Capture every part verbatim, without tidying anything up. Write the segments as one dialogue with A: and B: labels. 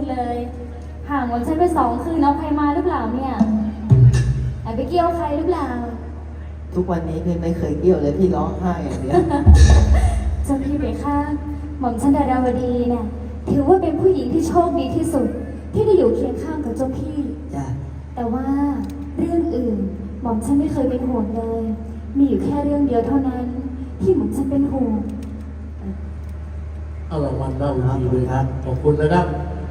A: เลยห่างวันฉันไปสองคืนเอาใครมาหรือเปล่าเนี่ยแอบไปเกี่ยวใครหรือเปล่า
B: ทุกวันนี้พี่ไม่เคยเกี่ยวเลยพี่ร้องไห้อย่างเดียว
A: เจ้าพี่เบค่ะหม่อมฉันดาราวดีเนี่ยถือว่าเป็นผู้หญิงที่โชคดีที่สุดที่ได้อยู่เคียงข้างกับเจ้าพี่
B: จ้ะ
A: แต่ว่าเรื่องอื่นหม่อมฉันไม่เคยเป็นห่วงเลยมีอยู่แค่เรื่องเดียวเท่านั้นที่หม่อมฉันเป็นห่วง
C: เอารางวัลเล่าอีกทีเลยครับขอบคุณนะครับ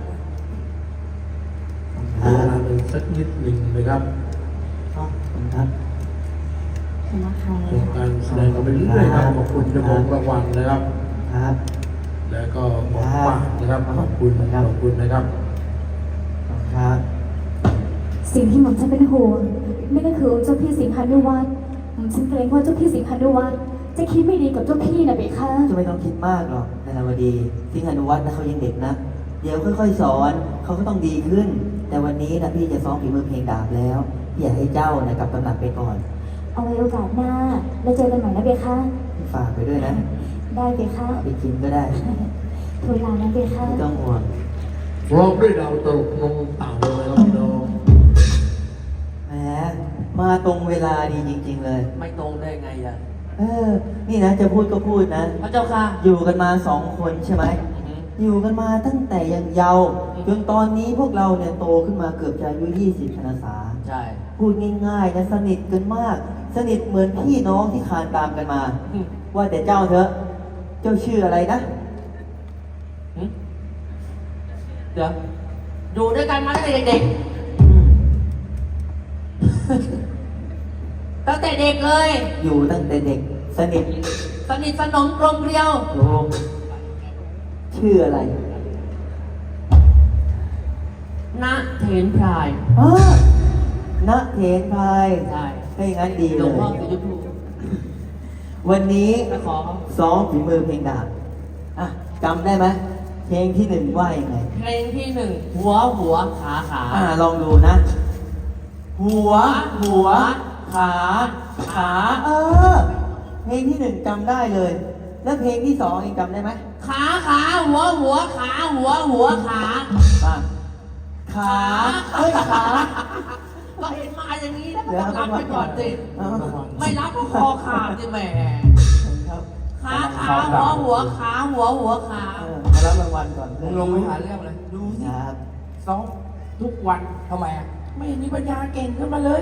C: เวลาเลยสักนิดหนึ่งนะครับ
B: ขอบคุณครับ
A: นะคะ
C: เป็นการแสดงกันไปเรื่อยๆครับขอบคุณเจ้าของรางวัลนะครับ
B: ครับ
C: แล้วก็บอกฝากนะครับขอบคุณนะครับขอบคุณนะครับ
B: ครับ
A: สิ่งที่หม่อมฉันเป็นห่วงนั่นก็คือเจ้าพี่สิงหานุวัฒน์หม่อมฉันเกรงว่าเจ้าพี่สิงหานุวัฒน์จะคิดไม่ดีกับเจ้าพี่นะเบค่ะ
B: จะไม่ต้องคิดมากหรอกนาราวดีสิงหานุวัฒน์นะเขายังเด็กนะเดี๋ยวค่อยๆสอนเขาก็ต้องดีขึ้นแต่วันนี้นะพี่จะซ้อมฝีมือเพลงดาบแล้วพี่อยากให้เจ้านะกลับตำหนักไปก่อน
A: เอาไว้โอกาสหน้าแล้วเจอกันใหม่นะเบค่ะ
B: ฝากไปด้วยนะ
A: ได้เบค่ะ
B: ไปกินก็ได้
A: ทูลลานะเบค่ะ
B: ไม่ต้องห่วง
C: ร้องด้วยดาวตลกนงเต่าเลยครับพี่น้อง
B: แหมมาตรงเวลาดีจริงๆเลย
D: ไม่ตรงได้ไงอ่ะ
B: เออนี่นะจะพูดก็พูดนะ
D: พระเจ้าค่ะ
B: อยู่กันมาสองคนใช่ไหมอยู่กันมาตั้งแต่ยังเยาว์จนตอนนี้พวกเราเนี่ยโตขึ้นมาเกือบจะอายุยี่สิบพรรษา
D: ใช่
B: พูดง่ายๆนะสนิทกันมากสนิทเหมือนพี่น้องที่คานตามกันมาว่าแต่เจ้าเถอะเจ้าชื่ออะไรนะ
D: เดี๋ยวอยู่ด้วยกันมาตั้งแต่เด็กๆตั้งแต่เด็กเลย
B: อยู่ตั้งแต่เด็กสนิท
D: สนิทสนมกลมเกลียว
B: ถูกชื่ออะไร
D: ณเถนพราย
B: อ๋อณเถนพราย
D: ใช่
B: ให้งั้นดีเลย
D: หลวงพ่อสีชมพู
B: วันนี้
D: ขอ
B: ซ้อมฝีมือเพลงดาบอ่ะจำได้ไหมเพลงที่หนึ่งว่ายังไง
D: เพลงที่หนึ่งหัวหัวขาขา
B: อ่าลองดูนะหัวหัวขาขาเออเพลงที่หนึ่งจำได้เลยแล้วเพลงที่สองเองจำได้ไหม
D: ขาขาหัวหัวขาหัวหัวขา
B: ขาเอ้ยขา
D: ก็เห็นมาอย่างนี้แล้วก็ต้องรับไปก่อนสิไม่รับก็คอขาดสิแหมขาขาหัวหัวขาหัวหัวขา
B: มารับรางวัลก่อน
D: มึงลงไปหาเรื่องเลยดูสิ
B: ซ้อม
D: ทุกวันทำไมอ่ะไม่มีปัญญาเก่งขึ้นมาเลย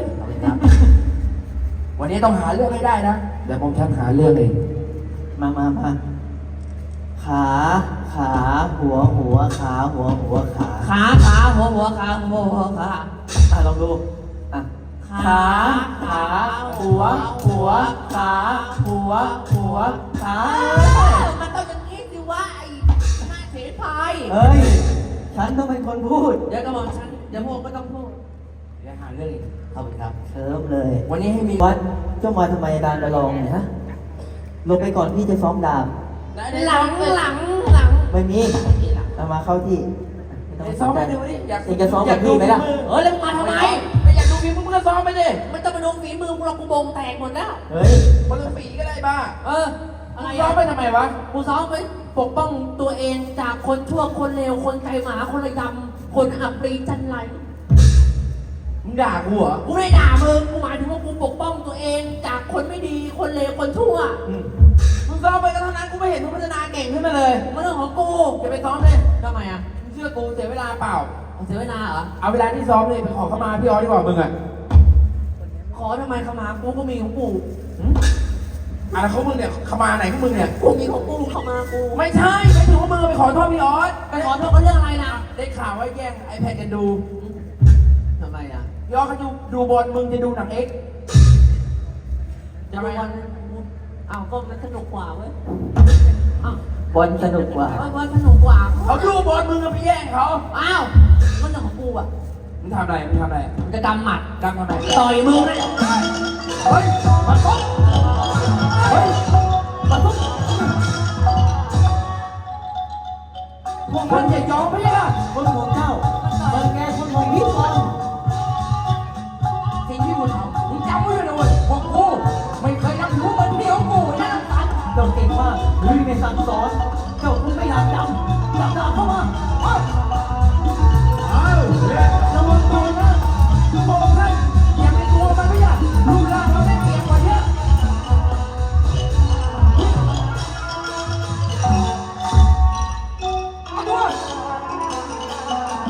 D: วันนี้ต้องหาเรื่องให้ได้นะเดี๋ยวผมชักหาเรื่องเอง
B: มามามาขาขาหัวหัวขาหัวหัวขา
D: ขาขาหัวหัวขาหัวหัวขา
B: อ่ะลองดูอ่ะขาขาหัวหัวขาหัวหัวขา
D: มันต้องอย่างนี้สิว่าไอ้หน้าเฉยพาย
B: เฮ้ยฉันต้องเป็นคนพูด
D: เดี๋ยวก็บอกฉันเดี๋ยวพวกก็ต้องพูดเดี๋ยวหาเรื่องเข้าไปครับ
B: เชิมเลย
D: วันนี้ให้มี
B: วัดเจ้ามาทำไมดานประลองเนี่ยฮะลงไปก่อนพี่จะซ้อมดาบ
D: หลังหลังหลัง
B: ไม่มีเอามาเข้าที่
D: ซ้อมไปดูดิอยาก
B: เองจะซ้อมกับพี่ไหมล่ะ
D: เออแล้วมาทำไมไม่อยากดูฝีมือมึงก็ซ้อมไปดิไม่ต้องไปดูฝีมือมึงเรากูบงแตกหมดแล้ว
B: เฮ้ย
D: คนละฝีก็ได้บ้าเอออะไรซ้อมไปทำไมวะกูซ้อมไปปกป้องตัวเองจากคนชั่วคนเลวคนใจหมาคนระยำคนอับปรีจันไรมึงด่ากูเหรอกูไม่ด่ามึงกูหมายถึงว่ากูปกป้องตัวเองจากคนไม่ดีคนเลวคนชั่วมึงซ้อมไปก็เท่านั้นกูไม่เห็นมึงพัฒนาเก่งขึ้นมาเลยมันเรื่องของกูจะไปซ้อมเลยทำไมอ่ะมึงเชื่อกูเสียเวลาเปล่าเสียเวลาเหรอเอาเวลาที่ซ้อมเลยไปขอเข้ามาพี่ออสดีกว่ามึงอ่ะขอทำไมเข้ามากูก็มีของกูอะไรของมึงเนี่ยเข้ามาไหนของมึงเนี่ยกูมีของกูเข้ามากูไม่ใช่ไม่ถึงว่ามึงไปขอโทษพี่ออสไปขอโทษเขาเรื่องอะไรนะได้ข่าวว่าแย่งไอแพดกันดูทำไมอ่ะพี่ออสเขาดูดูบอลมึงจะดูหนังเอ็กจะไปอ้าวก็มันสนุกกว่าเว้ย
B: บอลสนุกกว่า
D: บอลสนุกกว่าเขาดูบอลมึงก็ไปแย่งเขาอ้าวมันจะของกูอ่ะมึงทำอะไรมึงทำอะไรมึงจะกำหมัดกำทำไมต่อยมึงเลยเฮ้ยมันปุ๊บเฮ้ยมันปุ๊บพวกมันจะยอมไม่ได้
B: คนของเจ้าเบิร์แกคนของพี่บอล
D: สิ่งที่มึงทำมึงจำไว้เลยนะเว้ยพวกกูไม่เคยทำรู้มันเดียวกูนะสัน
B: เจ้าเก่งมากลุยในสั่งสอนเจ้าคุณไม่อยากจำจับดาบเข้ามา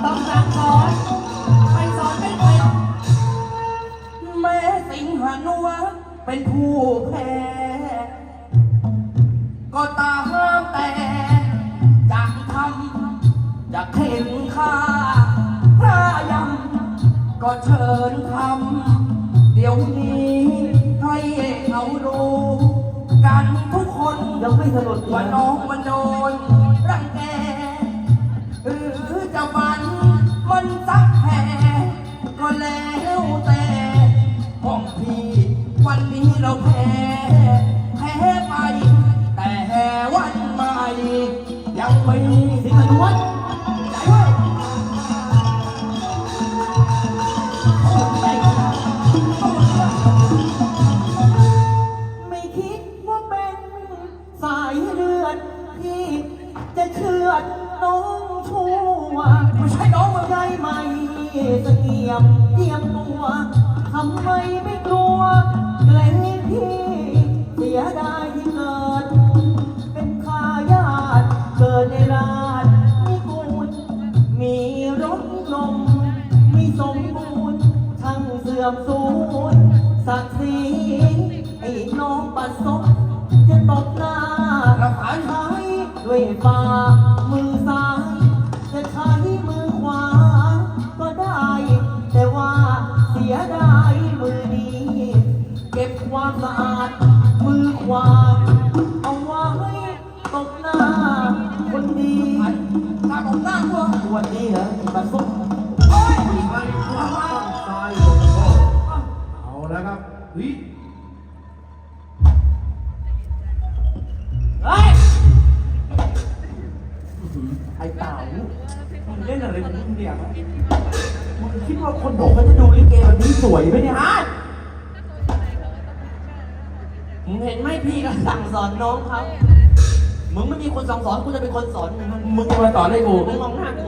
D: ต้องสั่งสอนไปสอนไม่เป็น
E: แม้สิงหานุวัฒน์เป็นผู้แพ้ก็ตามแต่จะทำจะเข็นฆ่าพระยำก็เชิญทำเดี๋ยวนี้ให้เขารู้กันทุกคน
B: ยังไม่สลด
E: ว่าน้องมันโดนรังแกหรือจะฟันมันสักแผลก็แล้วแต่ของพี่วันนี้เราแพ้แพ้ไป แต่วันใหม่ยังไม่
B: สิงหานุวัฒน์
E: ใจเว้ย
B: ไม่คิดว่าเป็นสายเลือดที่จะเชือดน้องชั่ว
E: ไม่ใช่น้องมึง
B: ใจไม่เสงี่ยมเจียมตัวทำไมไม่กลัวเกรงพี่เสียดายที่เกิด เป็นทายาทเกิดในราชนิกูลมีรถนมมีสมบูรณ์ช่างเสื่อมสูญศักดิ์ศรีไอ้น้องปัสสบจะตบหน้า
E: เราหา
B: ใช้ด้วยฝ่ามือซ้าย จะใช้มือขวาก็ได้ แต่ว่าเสียดายมือนี้ เก็บความสะอาดมือขวาเอาไว้ตบหน้าคนดี
E: ตาของหน้าวัว
B: วันนี้เหรอปัสสบ
E: โอ้ย
C: ไอ้ข้างซ้ายลงโทษเอาแล้วครับเฮ้ย
E: เฮ้ยไอ้เต่ามึงเล่นอะไรของมึงเนี่ยมึงคิดว่าคนบอกเขาจะดูลิเกแบบนี้สวยไหมเนี่ยฮะ
D: มึงเห็นไหมพี่ก็สั่งสอนน้องเขามึงไม่มีคนสั่งสอนกูจะเป็นคนสอนมึง
E: มึงจะมาสอนให้กู
D: มึงมองหน้ากู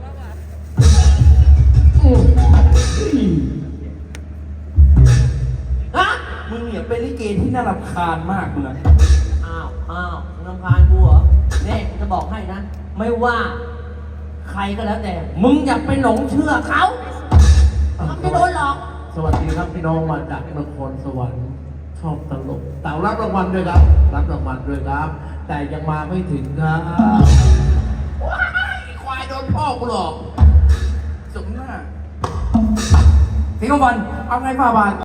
D: ฮะ
E: มึงเนี่ยเป็นลิเกที่น่ารำคาญมากมึงอะ
D: อ้าวอ้าวมึงรำคาญกูเหรอเนี่ยกูจะบอกให้นะ ไม่ว่า ใครก็แล้วแต่ มึงอย่าไปหลงเชื่อเขามันไม่โดนหรอก
C: สวัสดีครับพี่น้องมาจากนครสวรรค์ชอบตลกเต่ารับรางวัลด้วยครับ รับรางวัลด้วยครับ แต่ยังมาไม่ถึงครับ
E: ว้ายควายโดนพ่อกูหลอกสมหน้าสิงห์วันเอาไงฝ่าบาท